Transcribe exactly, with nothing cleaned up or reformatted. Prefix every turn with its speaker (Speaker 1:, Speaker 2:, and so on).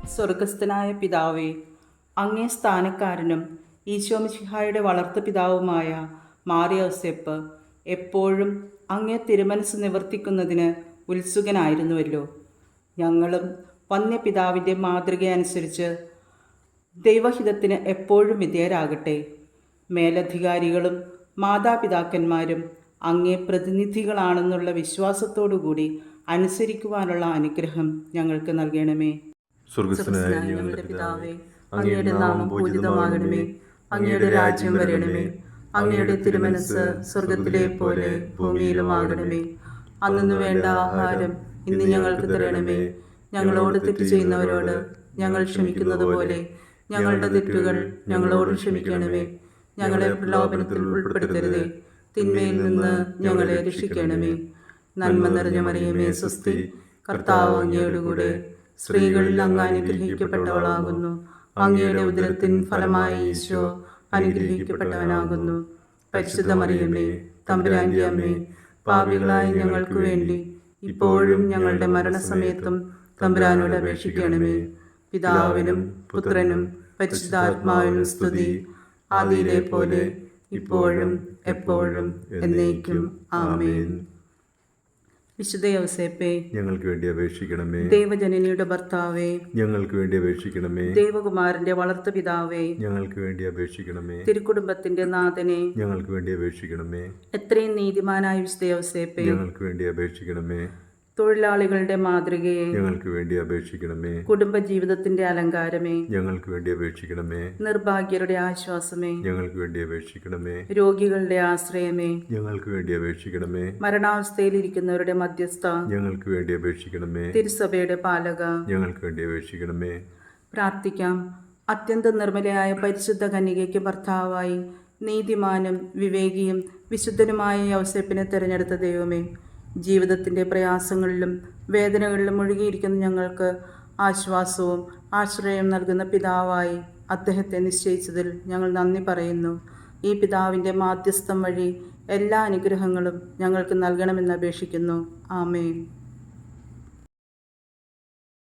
Speaker 1: സ്വർഗസ്ഥനായ പിതാവേ, അങ്ങേ സ്ഥാനക്കാരനും ഈശോമിശിഹായുടെ വളർത്തു പിതാവുമായ മാറിയോസേപ്പ് എപ്പോഴും അങ്ങേ തിരുമനസ് നിവർത്തിക്കുന്നതിന് ഉത്സുകനായിരുന്നുവല്ലോ. ഞങ്ങളും വന്യപിതാവിൻ്റെ മാതൃകയനുസരിച്ച് ദൈവഹിതത്തിന് എപ്പോഴും വിധേയരാകട്ടെ. മേലധികാരികളും മാതാപിതാക്കന്മാരും അങ്ങേ പ്രതിനിധികളാണെന്നുള്ള വിശ്വാസത്തോടുകൂടി അനുസരിക്കുവാനുള്ള അനുഗ്രഹം ഞങ്ങൾക്ക് നൽകണമേ.
Speaker 2: സ്വർഗസ്ഥനായ ഞങ്ങളുടെ പിതാവേ, അങ്ങയുടെ നാമം പൂജിതമാകണമേ. അങ്ങയുടെ രാജ്യം വരണമേ. അങ്ങയുടെ തിരുമനസ് സ്വർഗത്തിലെ പോലെ ഭൂമിയിലുമാകണമേ.
Speaker 1: അന്നു വേണ്ട ആഹാരം ഇന്ന് ഞങ്ങൾക്ക് തരണമേ. ഞങ്ങളോട് തെറ്റ് ചെയ്യുന്നവരോട് ഞങ്ങൾ ക്ഷമിക്കുന്നത് പോലെ ഞങ്ങളുടെ തെറ്റുകൾ ഞങ്ങളോട് ക്ഷമിക്കണമേ. ഞങ്ങളെ പ്രലോഭനത്തിൽ ഉൾപ്പെടുത്തരുതേ, തിന്മയിൽ നിന്ന് ഞങ്ങളെ രക്ഷിക്കണമേ. നന്മ നിറഞ്ഞ മറിയമേ, സ്വസ്തി, കർത്താവ് അങ്ങയോടുകൂടെ സ്ത്രീകളിൽ അങ്ങ് അനുഗ്രഹിക്കപ്പെട്ടവളാകുന്നു. അങ്ങയുടെ ഉദരത്തിൻ ഫലമായ ഈശോ അനുഗ്രഹിക്കപ്പെട്ടവനാകുന്നു. പരിശുദ്ധ മറിയമേ, തമ്പുരാന്റെ അമ്മേ, പാപികളായ ഞങ്ങൾക്ക് വേണ്ടി ഇപ്പോഴും ഞങ്ങളുടെ മരണസമയത്തും തമ്പുരാനോട് അപേക്ഷിക്കണമേ. പിതാവിനും പുത്രനും പരിശുദ്ധാത്മാവിനും സ്തുതി, ആദിയിലെ പോലെ ഇപ്പോഴും എപ്പോഴും എന്നേക്കും ആമേൻ. വിശുദ്ധ യൗസേപ്പേ,
Speaker 2: ഞങ്ങൾക്ക് വേണ്ടി അപേക്ഷിക്കണമേ.
Speaker 1: ദൈവജനനിയുടെ ഭർത്താവേ,
Speaker 2: ഞങ്ങൾക്ക് വേണ്ടി അപേക്ഷിക്കണമേ.
Speaker 1: ദൈവകുമാരന്റെ വളർത്തു പിതാവേ,
Speaker 2: ഞങ്ങൾക്ക് വേണ്ടി അപേക്ഷിക്കണമേ.
Speaker 1: തിരുക്കുടുംബത്തിന്റെ നാഥനെ,
Speaker 2: ഞങ്ങൾക്ക് വേണ്ടി അപേക്ഷിക്കണമേ.
Speaker 1: എത്രയും നീതിമാനായ വിശുദ്ധ യൗസേപ്പേ,
Speaker 2: ഞങ്ങൾക്ക് വേണ്ടി അപേക്ഷിക്കണമേ.
Speaker 1: തൊഴിലാളികളുടെ മാതൃകയെ,
Speaker 2: ഞങ്ങൾക്ക് വേണ്ടി അപേക്ഷിക്കണമേ.
Speaker 1: കുടുംബജീവിതത്തിന്റെ അലങ്കാരമേ,
Speaker 2: ഞങ്ങൾക്ക് വേണ്ടി അപേക്ഷിക്കണമേ.
Speaker 1: നിർഭാഗ്യരുടെ ആശ്വാസമേ,
Speaker 2: ഞങ്ങൾക്ക് വേണ്ടി അപേക്ഷിക്കണമേ.
Speaker 1: രോഗികളുടെ ആശ്രയമേ,
Speaker 2: ഞങ്ങൾക്ക് വേണ്ടി അപേക്ഷിക്കണമേ.
Speaker 1: മരണാവസ്ഥയിലിരിക്കുന്നവരുടെ മധ്യസ്ഥ,
Speaker 2: ഞങ്ങൾക്ക് വേണ്ടി അപേക്ഷിക്കണമേ.
Speaker 1: തിരുസഭയുടെ പാലക,
Speaker 2: ഞങ്ങൾക്ക് വേണ്ടി അപേക്ഷിക്കണമേ.
Speaker 1: പ്രാർത്ഥിക്കാം. അത്യന്തം നിർമ്മലയായ പരിശുദ്ധ കന്യകയ്ക്ക് ഭർത്താവായി നീതിമാനും വിവേകിയും വിശുദ്ധനുമായ യൗസേപ്പിനെ തിരഞ്ഞെടുത്ത ദൈവമേ, ജീവിതത്തിൻ്റെ പ്രയാസങ്ങളിലും വേദനകളിലും മുഴുകിയിരിക്കുന്ന ഞങ്ങൾക്ക് ആശ്വാസവും ആശ്രയം നൽകുന്ന പിതാവായി അദ്ദേഹത്തെ നിശ്ചയിച്ചതിൽ ഞങ്ങൾ നന്ദി പറയുന്നു. ഈ പിതാവിൻ്റെ മാധ്യസ്ഥം വഴി എല്ലാ അനുഗ്രഹങ്ങളും ഞങ്ങൾക്ക് നൽകണമെന്ന് അപേക്ഷിക്കുന്നു. ആമേൻ.